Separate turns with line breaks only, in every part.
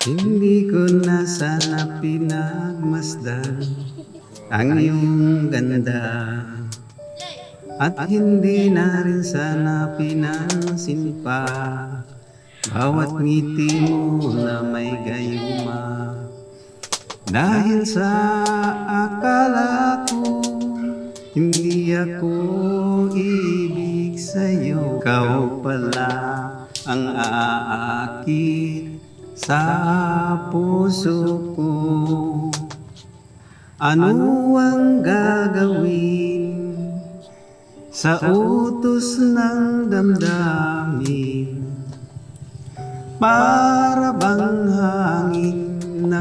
Hindi ko na sana pinagmasdan ang iyong ganda, at hindi na rin sana pinansin pa bawat ngiti mo na may gayuma. Dahil sa akala ko hindi ako ibig sa'yo, ikaw pala ang aakit sa puso ko. Ano ang gagawin sa utos ng damdamin? Para bang hangin na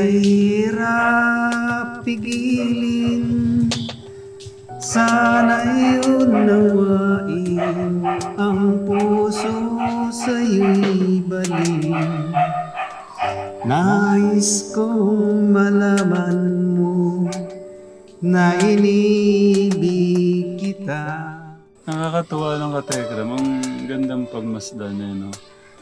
kahirap pigilin? Sana'y unawain ang puso sa'yo'y balin. Nais kong malaman mo na inibig kita.
Nakakatuwa lang ka, Tekram. Ang gandang pagmasdan niya, no?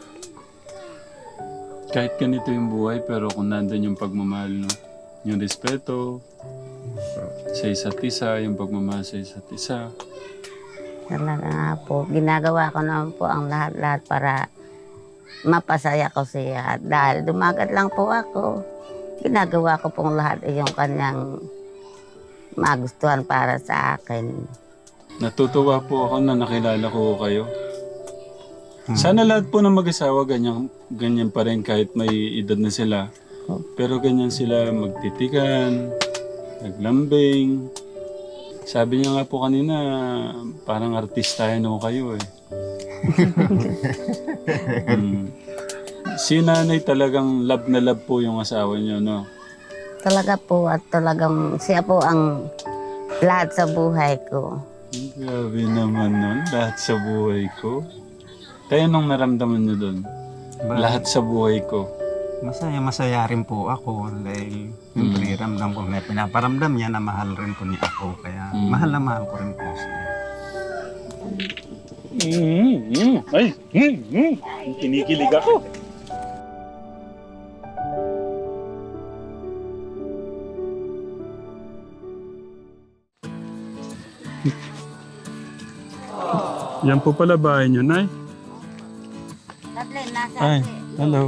Kahit ganito yung buhay, pero kung nandun yung pagmamahal, no? Yung respeto sa isa't isa, yung pagmamahal sa isa't isa.
Talaga nga po, ginagawa ko naman po ang lahat-lahat para mapasaya ko siya. Dahil dumagat lang po ako, ginagawa ko pong lahat yung kanyang magustuhan para sa akin.
Natutuwa po ako na nakilala ko kayo. Sana lahat po ng mag-asawa ganyan pa rin kahit may edad na sila. Pero ganyan sila magtitikan, naglambing. Sabi niya nga po kanina, parang artistahin ako kayo eh. Si nanay talagang love na love po yung asawa niyo, no?
Talaga po at talagang siya po ang lahat sa buhay ko.
Grabe naman nun, lahat sa buhay ko. Kaya nung naramdaman niyo doon, lahat sa buhay ko.
Masaya rin po ako dahil siyempre ramdam ko na pinaparamdam niya na mahal rin po niya ako. Kaya mahal na mahal ko rin po siya.
Ay, kinikilig ako. Yan po pala bahay niyo, Nay.
Kathleen, nasa
Ay, hello.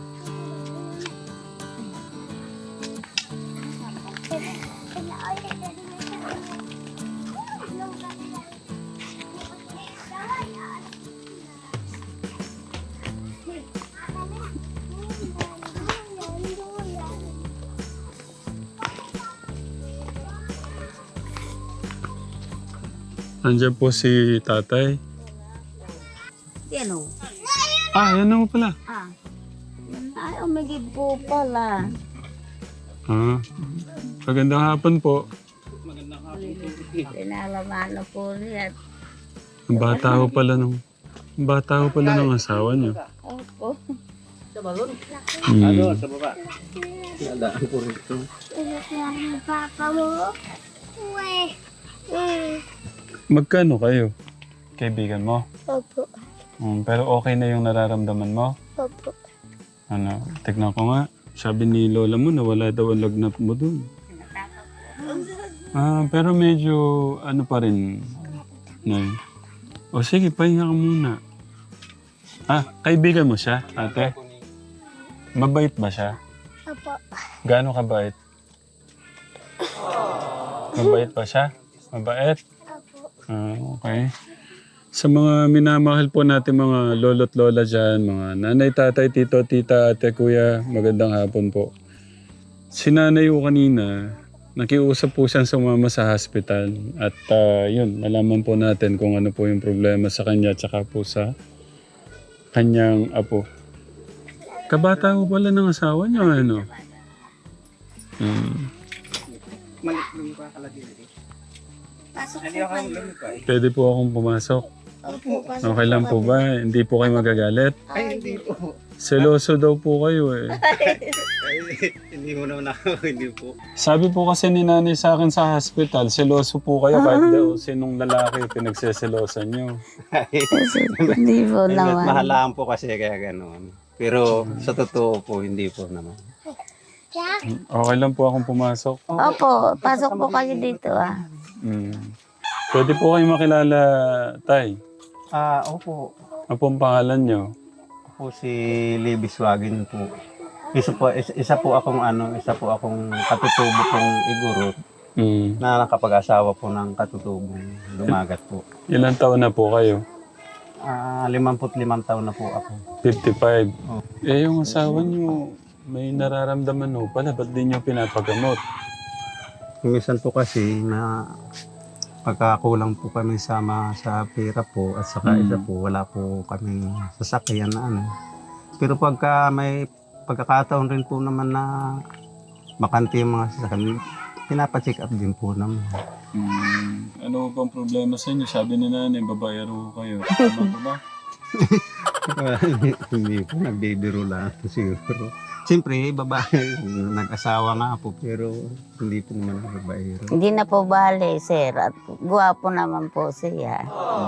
Nandiyan po si tatay.
Yan o.
Yan na po pala.
Ay, umigib po pala.
Magandang hapon po.
Pinalamano po niya.
Ang bata ko pala ng asawa niyo.
Opo.
Sa baba? Nadaan ko rito.
Papa mo. Uwe.
Magkano kayo? Kaibigan mo?
Opo.
Pero okay na yung nararamdaman mo?
Opo.
Tignan ko nga. Sabi ni lola mo na wala daw ang lagnat mo dun. Pero medyo ano pa rin. Nay. O sige, pahinga ka muna. Kaibigan mo siya, ate? Mabait ba siya?
Opo.
Gaano kabait? Mabait ba siya? Mabait? Okay. Sa mga minamahal po natin mga lolo't lola dyan, mga nanay, tatay, tito, tita, ate, kuya, magandang hapon po. Si nanay ko kanina, nakiusap po siyang sumama sa hospital at yun, malaman po natin kung ano po yung problema sa kanya at saka po sa kanyang apo. Kabata ko pala ng asawa niya, ano?
Maliklong ka kalagay.
Pasok po kayo.
Pwede po akong pumasok. Okay lang po ba? Hindi po kayo magagalit?
Ay, hindi po.
Seloso daw po kayo eh.
Hindi mo naman ako, hindi po.
Sabi po kasi ni nanay sa akin sa hospital, seloso po kayo kahit daw sinong lalaki pinagseselosan nyo.
Hindi po
Mas
naman.
mahalaan po kasi kaya gano'n. Pero sa totoo po, hindi po naman.
Okay lang po akong pumasok.
Opo, pasok po kayo dito ah.
Pwede po kayong makilala, Tay.
Opo.
Ano pong pangalan nyo?
Ako si Libis Wagin po. Isa po akong katutubo pong igurot na nakapag-asawa po ng katutubong lumagat po.
Ilan taon na po kayo?
55 taon na po ako.
55.
Oh.
Eh, yung asawa nyo, may nararamdaman ho pala. Ba't di nyo pinapagamot?
Minsan po kasi na pagkakulang po kami sa pera po at saka isa po wala po kaming sasakyan na ano. Pero pagka may pagkakataon rin po naman na bakante yung mga sasakyan, pinapacheck up din po naman.
Ano bang problema sa inyo? Sabi ni nanay, babayaro kayo. Tama po ba?
Hindi po, nagbibiro lang po siguro. Siyempre, babae, nag-asawa nga po, pero hindi po naman babae.
Hindi na po bale, sir. At guwapo naman po siya.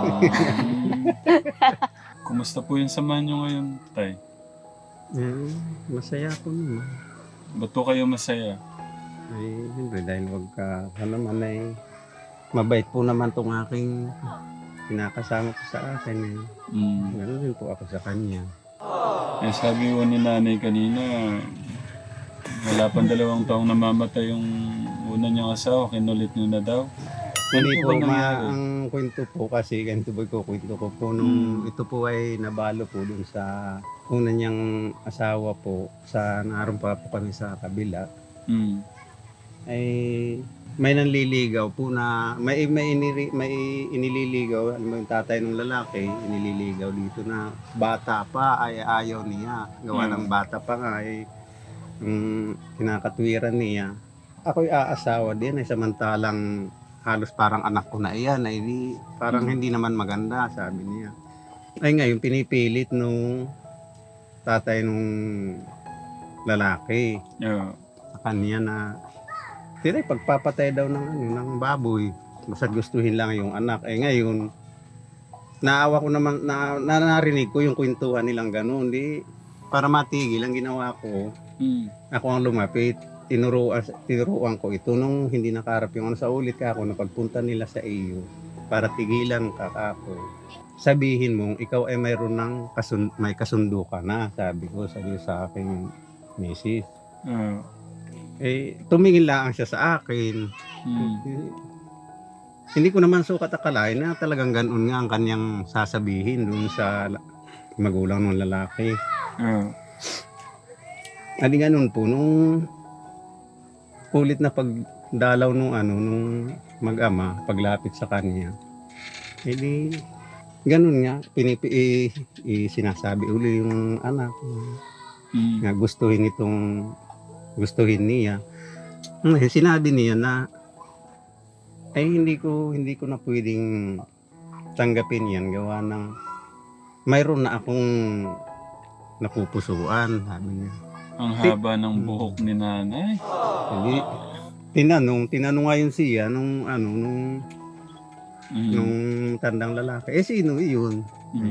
Kumusta po yung samahan nyo ngayon, Tay?
Masaya po naman.
Ba't po kayo masaya?
Ay, siyempre, dahil naman ay mabait po naman itong aking pinakasama ko sa akin. Ganoon din po ako sa kanya.
Eh, sabi ko ni nanay kanina, wala pang 2 taong namamatay yung una niyang asawa, kinulit niyo na daw.
Hindi
Ano
po,
ba nangyari?
ang kwento po kasi, ganito po kwento ko po, nung ito po ay nabalo po dun sa una niyang asawa po, sa naroon pa po kami sa kabila, ay may nanliligaw po na, may inililigaw, alam mo yung tatay ng lalaki, inililigaw dito na bata pa ay ayaw niya. Gawa ng bata pa nga ay kinakatwiran niya. Ako'y aasawa din ay samantalang halos parang anak ko na iyan ay parang hindi naman maganda, sabi niya. Ay ngayon pinipilit nung tatay nung lalaki sa kanya na pagpapatay daw ng baboy. Basta gustuhin lang yung anak. Eh ngayon, naawa ko naman, narinig ko yung kwentuhan nilang gano'n. Para matigil, ang ginawa ko, ako ang lumapit. Tinuruan ko ito nung hindi nakaharap yung sa ulit ka ako na pagpunta nila sa iyo para tigilan ka ako. Sabihin mo, ikaw ay mayroon ng may kasundo ka na, sabi sa aking misis. Eh, tumingin lang siya sa akin. Hindi ko naman sukat akalain na talagang ganoon nga ang kanyang sasabihin dun sa magulang ng lalaki. Adi ganun po, nung ulit na pagdalaw nung mag-ama, paglapit sa kanya, edi ganun nga, sinasabi uli yung anak na gustuhin niya. Sinabi niya na ay hindi ko na pwedeng tanggapin yan gawa ng mayroon na akong napupusuan, sabi niya.
Ang haba ng buhok ni nanay.
Hindi, tinanong ngayon siya nung tandang lalaki. Eh sino iyon?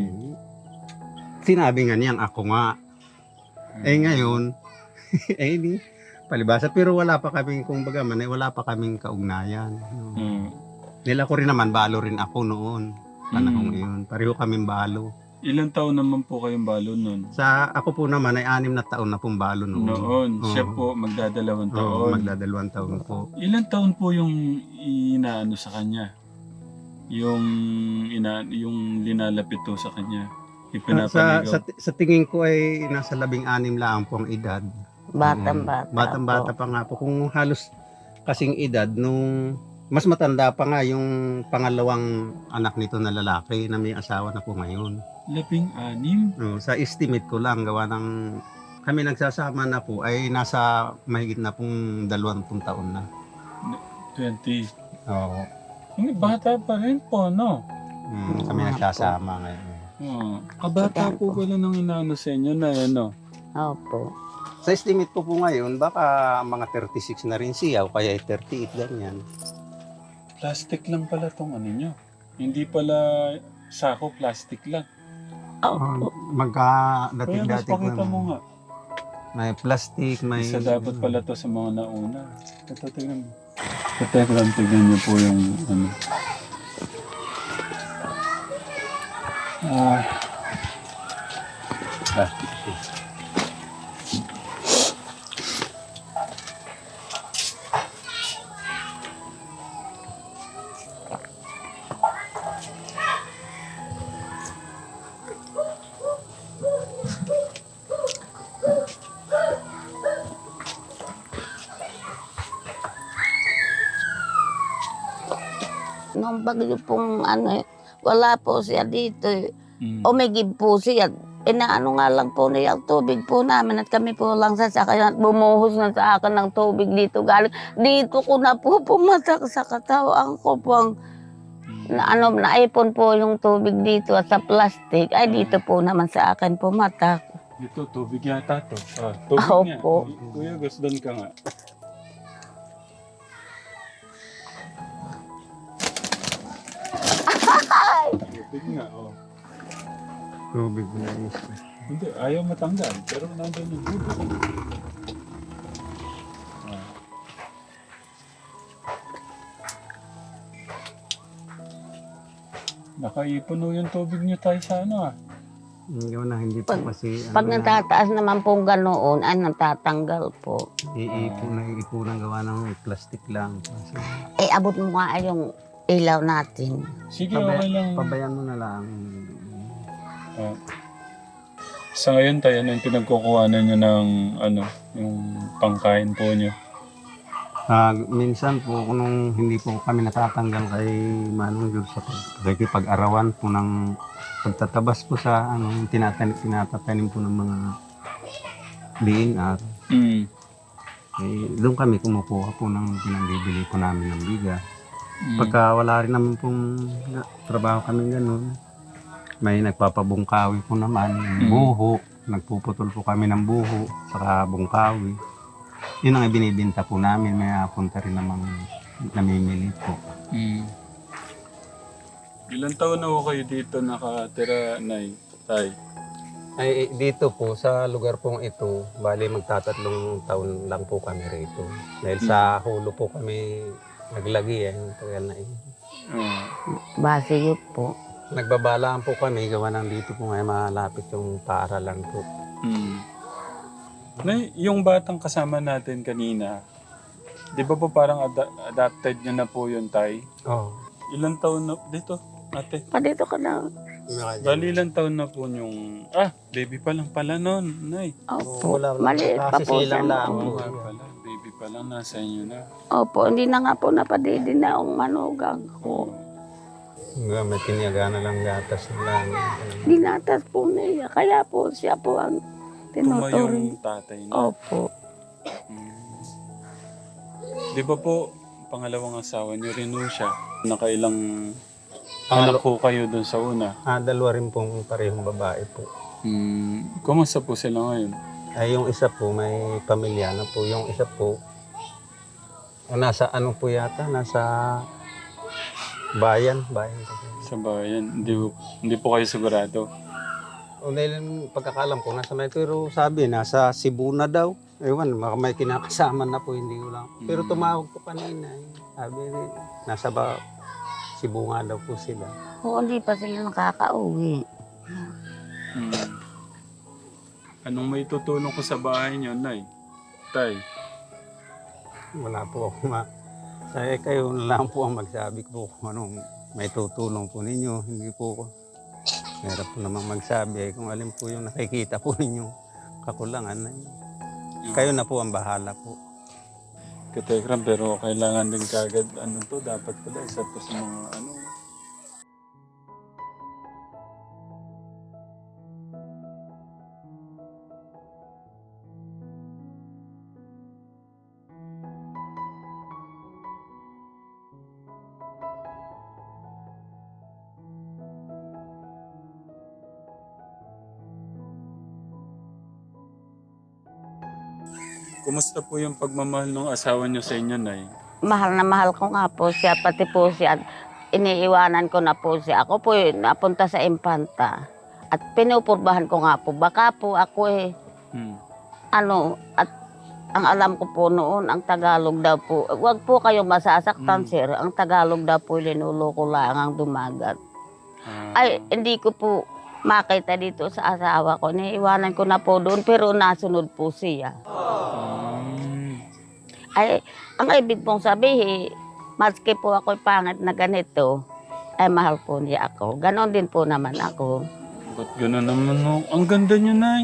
Sinabi nga niyang ako nga. Eh ngayon, di palibasa, pero wala pa kaming, wala pa kaming kaugnayan. Nila ko rin naman, balo rin ako noon. Panahong iyon. Pareho kaming balo.
Ilang taon naman po kayong balo noon?
Ako po naman ay 6 na taon na pong balo noon.
Siya po magdadalawang taon.
Magdadalawang taon po.
Ilang taon po yung inaano sa kanya? Yung linalapit to sa kanya?
Sa tingin ko ay nasa 16 lang po ang edad.
Batang-bata.
Batang-bata pa nga po. Kung halos kasing edad nung mas matanda pa nga yung pangalawang anak nito na lalaki na may asawa na po ngayon.
16?
Sa estimate ko lang, gawa ng kami nagsasama na po ay nasa mahigit na pong 20 taon na.
20?
Oo.
Bata pa rin po, no?
Kami nagsasama ngayon.
Kabata po pala nung inaano sa inyo na ano?
Opo.
Sa estimate ko po ngayon, baka mga 36 na rin siya o kaya 38 ganyan.
Plastic lang pala tong ano nyo. Hindi pala sako, plastic lang.
Opo.
Kuya, mas
Dati
pakita mo nga.
may plastic, may...
Isa dapat pala to sa mga nauna. Ito, tingnan mo. Katekram, tignan niyo po yung ano. Ah. Ah.
Nung bagyo pong ano, wala po siya dito.
Mm.
Umigib po siya. Inaano nga lang po niya ang tubig po namin at kami po lang sasakyan at bumuhos na sa akin ng tubig dito galing. Dito ko na po pumatak sa katawan ko pong naipon po yung tubig dito at sa plastic. Ay dito po naman sa akin pumatak.
Ito, tubig yata to. Ah, tubig
Opo.
nga. Kuya, gusdan ka nga. Tubig nga, oh.
Tubig na isa.
Hindi, ayaw matanggal. Pero nandun yung tubig. Ah. Nakaipon yung tubig niyo tayo sa ano ah.
Yun na, hindi po kasi...
Pag
ano na,
natataas naman pong ganoon, ay natatanggal po.
iipunan gawa ng plastic lang. Kasi,
Abot mo nga yung ilaw natin.
Sige, okay lang.
pabayan mo na lang.
Ah. Sa ngayon tayo, ano yung pinagkukuhanan nyo ng ano, yung pangkain po nyo?
Minsan po, nung hindi po kami natatanggal kay Manong Diyos sa pag-arawan po ng pagtatabas po sa ano, tinatatanim po ng mga DNR.
Mm.
Doon kami kumukuha po ng pinangbibili po namin ng bigas.
Mm.
Pagka wala rin naman pong trabaho kami ganun, may nagpapabungkawi po naman, buho, nagpuputol po kami ng buho, saka bungkawi. Yun ang ibinibinta po namin, may punta rin namang namimili po.
Mm. Ilan taon na ho kayo dito nakatira, Nay? Tay?
Ay, dito po, sa lugar pong ito, bali magtatatlong taon lang po kami rito. Dahil sa hulo po kami naglagi yung tagal na yun.
Ah.
Base yun po.
Nagbabalaan po kami, gawa ng dito po ngayon malapit yung paaralan po.
Mm. Nay, yung batang kasama natin kanina, di ba po parang adapted niya na po yun, Tay?
Oo.
Ilan taon na dito, ate?
Dito ka na.
Bali ilan taon na po yung... baby pa lang pala nun, Nay.
Opo,
Wala-
maliit pa po siya.
Kasisilang lang.
Oo nga pala, baby pa lang, nasa inyo na.
Opo, hindi na nga po napadidi na ang manugang ko.
May tiniyaga na lang gatas na lang.
Dinatas po niya, kaya po siya po ang
Tumayong
tinuturing.
tatay niya.
Opo.
Di ba po, pangalawang asawa niyo rin ho siya? Nakailang anak po kayo dun sa una?
Dalawa rin pong parehong babae po.
Kumusta po sila ngayon?
Ay, yung isa po may pamilya na po. Yung isa po, nasa ano po yata, nasa bayan po.
Sa bayan? Hindi po kayo sigurado?
O dahil yung pagkakalam ko, nasa may, pero sabi, nasa Cebu na daw. Ewan, baka may kinakasama na po, hindi ko lang. Pero tumawag ko kanina. Sabi, nasa Cebu nga daw po sila.
Oo, hindi pa sila nakakauwi.
Anong may tutulong ko sa bahay niyo, Nay? Tay?
Wala po ako Saya kayo na lang po ang magsabi ko kung anong may tutulong po ninyo. Hindi po ko. Meron po namang magsabi kung alin po yung nakikita po ninyong kakulangan. Kayo na po ang bahala po.
Katekram, pero kailangan din kagad, dapat pala, isa po sa mga, Kumusta po yung pagmamahal ng asawa niyo sa inyo, Nay?
Mahal na mahal ko nga po siya, pati po siya. Iniiwanan ko na po siya. Ako po napunta sa Impanta. At pinupurbahan ko nga po, baka po ako at ang alam ko po noon, ang Tagalog daw po, wag po kayong masasaktan, sir. Ang Tagalog daw po, linuloko lang ang dumagat. Ay, hindi ko po makita dito sa asawa ko. Niiwanan ko na po doon, pero nasunod po siya. Ay, ang ibig pong sabihin, maski po ako'y pangit na ganito, ay mahal po niya ako. Ganon din po naman ako.
Ba't gano'n naman, no? Ang ganda niyo, Nay.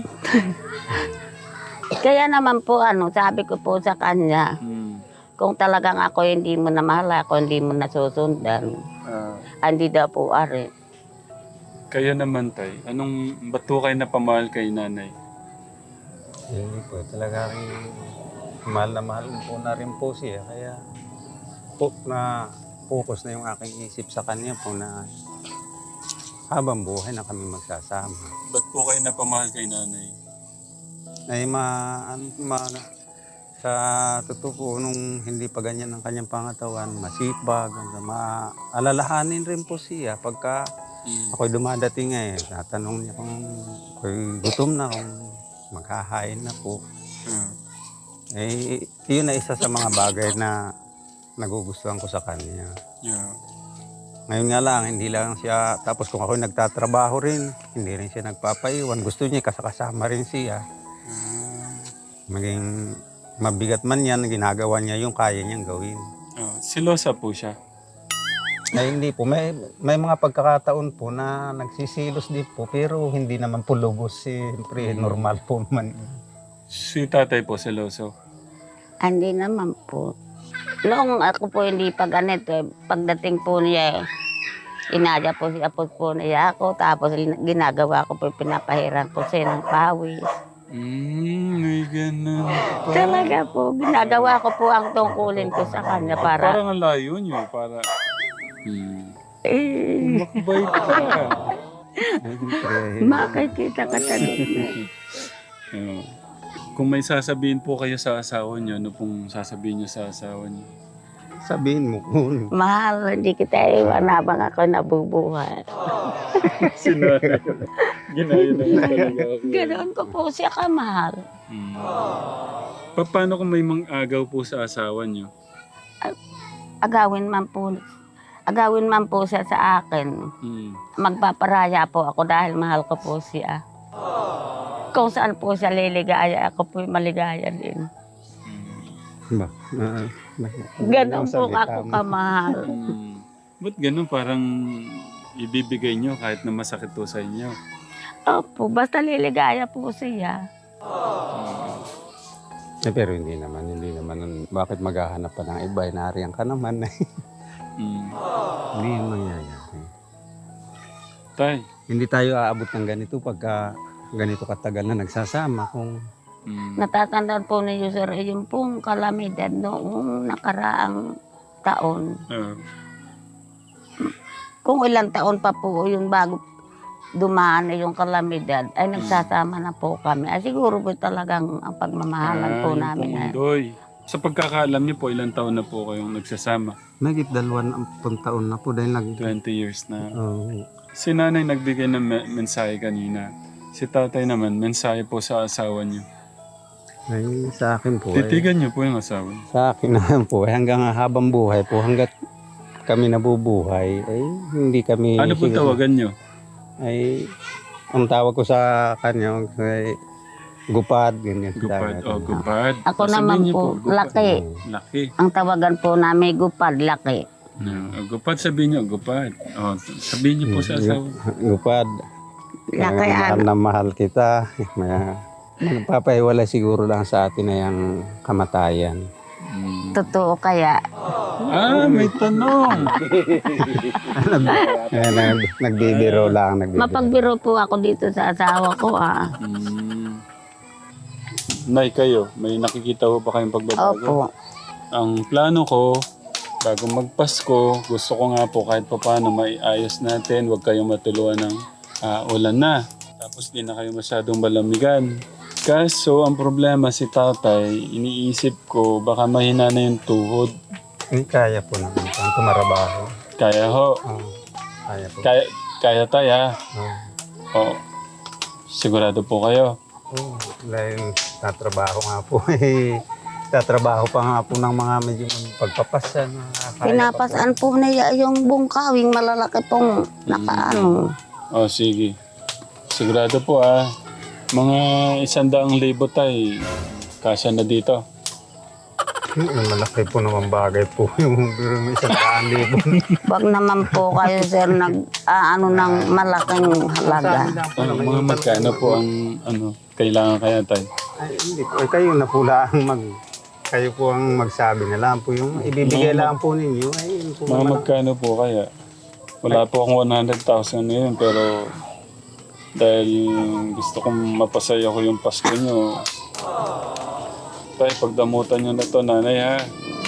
Kaya naman po, sabi ko po sa kanya, kung talagang ako hindi mo na mahal, ako hindi mo nasusundan, hindi daw po ari.
Kaya naman, Tay, ba't po kayo napamahal kay nanay?
Hindi po, talaga rin mahal po na rin po siya. Kaya po na focus na yung aking isip sa kanya po na habang buhay na kami magsasama.
Ba't po kayo napamahal kay nanay?
Ay sa totoo po, nung hindi pa ganyan ang kanyang pangatawan, masipag, maalalahanin rin po siya. Pagka ako'y dumadating tatanong niya kung ako'y gutom na, kung maghahain na po. Yun na isa sa mga bagay na nagugustuhan ko sa kanya. Ngayon nga lang, hindi lang siya, tapos kung ako'y nagtatrabaho rin, hindi rin siya nagpapaiwan. Gusto niya kasama rin siya. Maging mabigat man yan, ginagawa niya yung kaya niyang gawin.
Silosa po siya?
Ay hindi po, may mga pagkakataon po na nagsisilos din po, pero hindi naman po lubos. Siyempre, normal po man.
Si tatay po, siloso?
Hindi naman po. Noong ako po hindi pa ganito, pagdating po niya, inaya po siya po niya ako, tapos ginagawa ko po, pinapahiran po siya ng pawis.
May ganun pa.
Talaga po, ginagawa ko po ang tungkulin ko sa kanya para...
Parang ang layo niyo, para... Makbait ka.
Makikita ka tanong.
Kung may sasabihin po kayo sa asawa niyo, ano pong sasabihin niyo sa asawa niyo?
Sabihin mo po.
Mahal, hindi kita iwan habang ako nabubuhay.
Sinanay. Ginaya naman talaga ako.
Ganoon ko po siya kamahal.
Paano kung may mang-agaw po sa asawa niyo?
Agawin man po siya sa akin. Magpaparaya po ako dahil mahal ko po siya. Kung saan po siya liligaya, ako po maligaya din. Ganon po ako kamahal.
Ba't ganun? Parang ibibigay niyo kahit na masakit po sa inyo.
Opo, basta liligaya po siya.
Pero hindi naman. Bakit maghahanap pa ng iba? Nariyan ka naman. Hindi yung mangyayari.
Tay.
Hindi tayo aabot ng ganito pagka ganito katagal na nagsasama. Kung
Natatandaan po ninyo, sir, yung pong kalamidad noong nakaraang taon. Kung ilang taon pa po yung bago dumaan na yung kalamidad, ay nagsasama na po kami. Ay siguro po talagang ang pagmamahalan po namin.
Doy. Sa pagkakaalam niyo po, ilang taon na po kayong nagsasama?
nagit 20 taon na po dahil
20 years na.
Oh.
Si nanay nagbigay ng mensahe kanina. Si tatay naman, mensahe po sa asawa niyo.
Ay, sa akin po.
Titigan niyo po yung asawa niyo.
Sa akin naman po, hanggang habang buhay po, hanggat kami nabubuhay, ay hindi kami...
Ano po tawagan niyo?
Ay, ang tawag ko sa kanya, ay gupad, ganyan.
Gupad. Gupad.
Ako
Sabihin
naman
niyo
po, laki.
Laki.
Ang tawagan po namin, gupad, laki.
Gupad, sabihin niyo, gupad. Sabihin niyo po sa asawa.
Gupad.
Laki
na mahal kita. Magpapahiwalay siguro lang sa atin na yung kamatayan.
Totoo kaya.
May tanong.
Nagbibiro lang.
Mapagbiro po ako dito sa asawa ko.
Nay, kayo, may nakikita ko ba kayong pagbabago?
Opo.
Ang plano ko, bago magpasko, gusto ko nga po kahit pa paano maiayos natin, huwag kayong matuluan ng ulan na. Tapos di na kayo masyadong malamigan. Kaso, ang problema si tatay, iniisip ko, baka mahina na yung tuhod.
Kaya po naman ang tumarabaho.
Kaya ho.
Kaya po.
Kaya tayo ha. Sigurado po kayo.
Oo, dahil tatrabaho nga po eh. Tatrabaho pa nga po ng mga medyo pagpapasan.
Pinapasan po niya yung bungkawing malalaki pong nakaano.
O, sige. Sigurado po mga 100,000 tay, kasya na dito.
Malaki po naman bagay po yung biro ng 100,000.
Wag naman po kayo, sir, ano ng malaking halaga.
Mga magkano po ang kailangan kaya tay?
Ay, hindi po. Ay, kayo na po lang kayo po ang magsabi na lang po yung ibibigay lang po ninyo. Ay, yun po
Mga
naman.
magkano po kaya? Wala po akong 100,000 ngayon pero dahil gusto kong mapasaya ko yung Pasko nyo. Tay, pagdamutan nyo na to, nanay ha.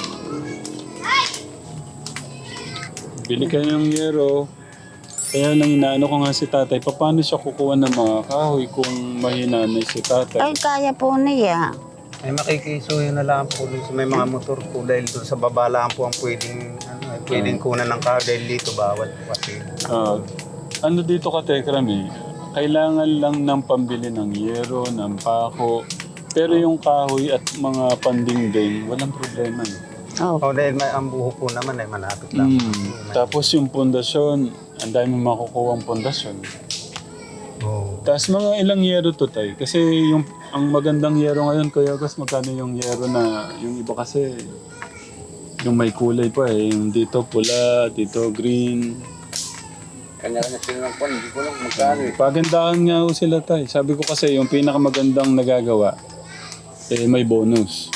Bili kayo ng yero. Kaya lang inaano ko nga si tatay, paano siya kukuha ng mga kahoy kung mahinanay si tatay?
Ay, kaya po niya.
Ay, makikisuyo na lang po dun sa may mga motor po dahil doon sa baba lang po ang pwedeng kunan ng car dahil dito bawal po kasi.
Ano dito ka, Tekram kailangan lang ng pambili ng yero, ng pako. Pero yung kahoy at mga pandingding, walang problema.
Oh,
Oh, dahil may ang buho po naman ay malapit lang.
Tapos yung pundasyon, ang dami makukuha ang pundasyon.
Oh.
Tapos mga ilang yero to tay. Kasi ang magandang yero ngayon, Kuya Gus, magkano yung yero na, yung iba kasi, yung may kulay pa yung dito pula, dito green.
Kanya-kanya sila ng kwan, hindi ko lang magkano eh.
Pagandahan nga ho sila tay. Sabi ko kasi yung pinakamagandang nagagawa, may bonus.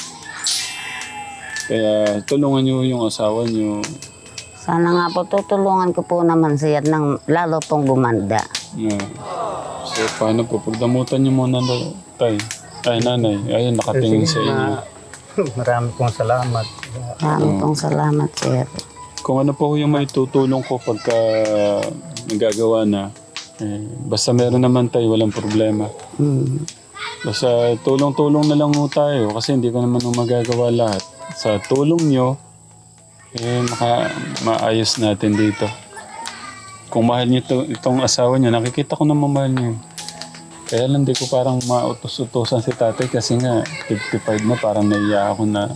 Kaya tulungan nyo yung asawa nyo.
sana nga po tutulungan ko po naman siya ng lalo pong gumanda.
So paano po? Pagdamutan nyo muna tay. Ay nanay, ayun nakatingin sa inyo.
Marami pong salamat.
Marami pong salamat, sir.
Kung ano po yung may tutulong ko pagka nagagawa na, basta meron naman tayo, walang problema. Basta tulong-tulong na lang ho tayo kasi hindi ko naman magagawa lahat. Sa tulong nyo, maayos natin dito. Kung mahal nyo itong asawa nyo, nakikita ko na mamahal nyo. Kaya lang di ko parang mautos-utosan si tatay kasi nga 55 na parang naiya ako na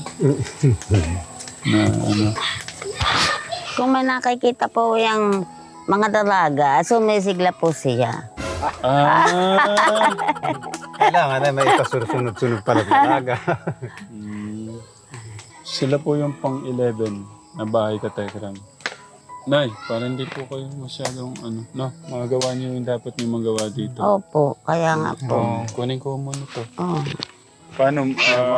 Kung may nakikita po yung mga dalaga, sumisigla po siya.
Kailangan na may ikasunod-sunod pala talaga.
Sila po yung pang-11 na bahay ka, Tekram. Nay, parang hindi po kayo masyadong magagawa niyo yung dapat niyo magawa dito.
Opo, kaya nga po.
Kunin ko muna to.
Oh.
Paano,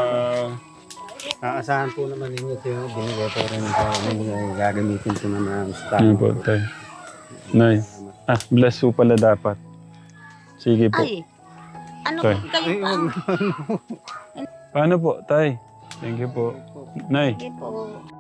Aasahan po naman ninyo ito yung binigay po rin po. Gagamitin po naman sa
ano po, tay? Nay, bless po pala dapat. Sige po.
Ay, ano
Tay.
kayo pa?
Paano po, tay? Thank you po. Nay,
Sige po.